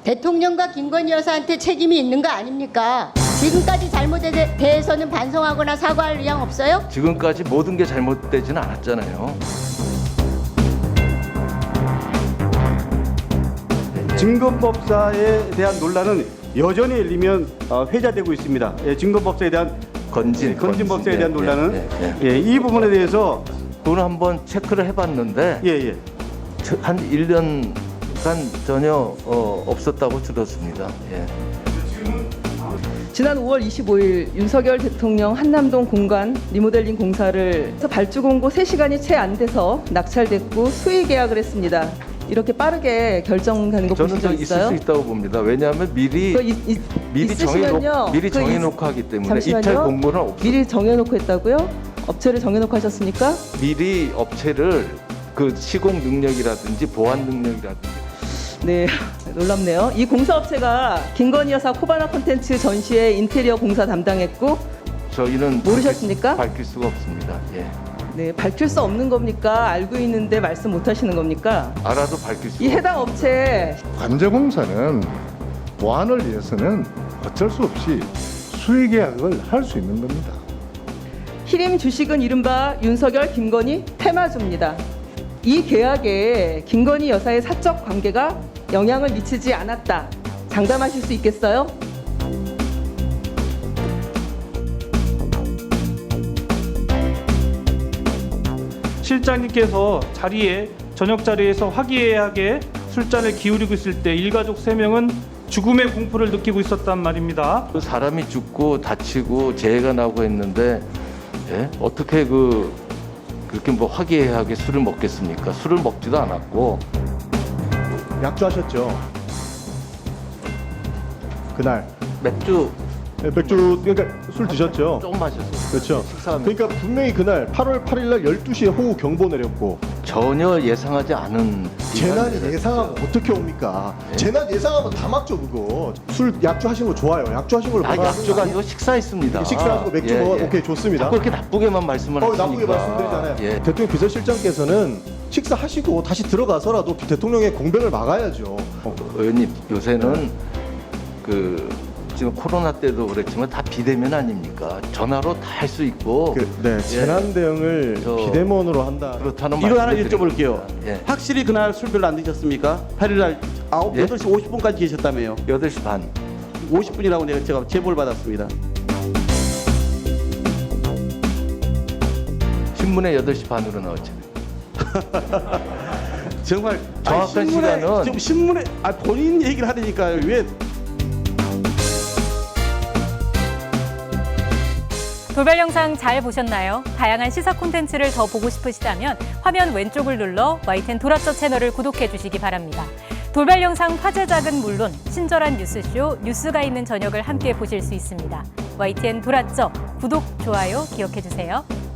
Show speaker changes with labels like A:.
A: 대통령과 김건희 여사한테 책임이 있는 거 아닙니까? 지금까지 잘못에 대해서는 반성하거나 사과할 의향 없어요?
B: 지금까지 모든 게 잘못되지는 않았잖아요.
C: 증거법사에 대한 논란은 여전히 열리면 회자되고 있습니다. 증거법사에 대한 건진법사에 대한 논란은 이 부분에 대해서
B: 그걸 한번 체크를 해봤는데
C: 예.
B: 한 1년간 전혀 없었다고 들었습니다. 예.
D: 지난 5월 25일 윤석열 대통령 한남동 공간 리모델링 공사를 발주 공고 3시간이 채 안 돼서 낙찰됐고 수의 계약을 했습니다. 이렇게 빠르게 결정되는 거 보신
B: 저는
D: 적
B: 있을
D: 있어요?
B: 수 있다고 봅니다. 왜냐하면 미리
D: 있으시면요.
B: 정해놓고 하기 때문에
D: 잠시만요.
B: 이탈 공고는 없어요.
D: 미리 정해놓고 했다고요? 업체를 정해놓고 하셨습니까?
B: 미리 업체를 그 시공 능력이라든지 보안 능력이라든지
D: 네, 놀랍네요. 이 공사업체가 김건희 여사 코바나 콘텐츠 전시회 인테리어 공사 담당했고
B: 저희는
D: 모르셨습니까?
B: 밝힐 수가 없습니다. 예.
D: 네, 밝힐 수 없는 겁니까? 알고 있는데 말씀 못 하시는 겁니까?
B: 알아도 밝힐 수가
D: 이 해당 업체
E: 관제공사는 보안을 위해서는 어쩔 수 없이 수의 계약을 할 수 있는 겁니다.
D: 히림 주식은 이른바 윤석열, 김건희 테마주입니다. 이 계약에 김건희 여사의 사적 관계가 영향을 미치지 않았다. 장담하실 수 있겠어요?
F: 실장님께서 저녁 자리에서 화기애애하게 술잔을 기울이고 있을 때 일가족 3명은 죽음의 공포를 느끼고 있었단 말입니다.
B: 그 사람이 죽고 다치고 재해가 나고 했는데 예? 어떻게 그렇게 뭐 화기애애하게 술을 먹겠습니까? 술을 먹지도 않았고
G: 약주하셨죠? 그날
B: 맥주
G: 맥주 그러니까 술 드셨죠?
B: 조금 마셨어요.
G: 그렇죠.
B: 식사하면서.
G: 그러니까 분명히 그날 8월 8일 날 12시에 호우 경보 내렸고
B: 전혀 예상하지 않은
G: 재난이
B: 비난이
G: 예상하면
B: 있었어요.
G: 어떻게 옵니까?
B: 네.
G: 재난 예상하면 다 막죠 그거. 술 약주하신 거 좋아요. 약주하신 걸
B: 약주가 아니고 식사했습니다.
G: 식사하시고 맥주 먹어 오케이 좋습니다.
B: 자꾸 이렇게 나쁘게만 말씀을 하시니까.
G: 나쁘게 말씀드리잖아요.
B: 예.
G: 대통령 비서실장께서는 식사하시고 다시 들어가서라도 대통령의 공백을 막아야죠.
B: 의원님 요새는 지금 코로나 때도 그랬지만 다 비대면 아닙니까? 전화로 다 할 수 있고.
G: 재난 대응을 비대면으로 한다.
B: 그렇다는
H: 이거 하나
B: 말씀을
H: 여쭤볼게요.
B: 드립니다. 예.
H: 확실히 그날 술 별로 안 드셨습니까? 8일날
B: 예?
H: 8시 50분까지 계셨다며요.
B: 8시 반.
H: 50분이라고 제가 제보를 받았습니다.
B: 신문에 8시 반으로 나왔죠.
H: 정말
B: 정확한 시간은
H: 지금 신문에 본인 얘기를 하려니까 왜
I: 돌발 영상 잘 보셨나요? 다양한 시사 콘텐츠를 더 보고 싶으시다면 화면 왼쪽을 눌러 YTN 돌아쩌 채널을 구독해 주시기 바랍니다. 돌발 영상 화제작은 물론 친절한 뉴스쇼 뉴스가 있는 저녁을 함께 보실 수 있습니다. YTN 돌아쩌 구독, 좋아요 기억해 주세요.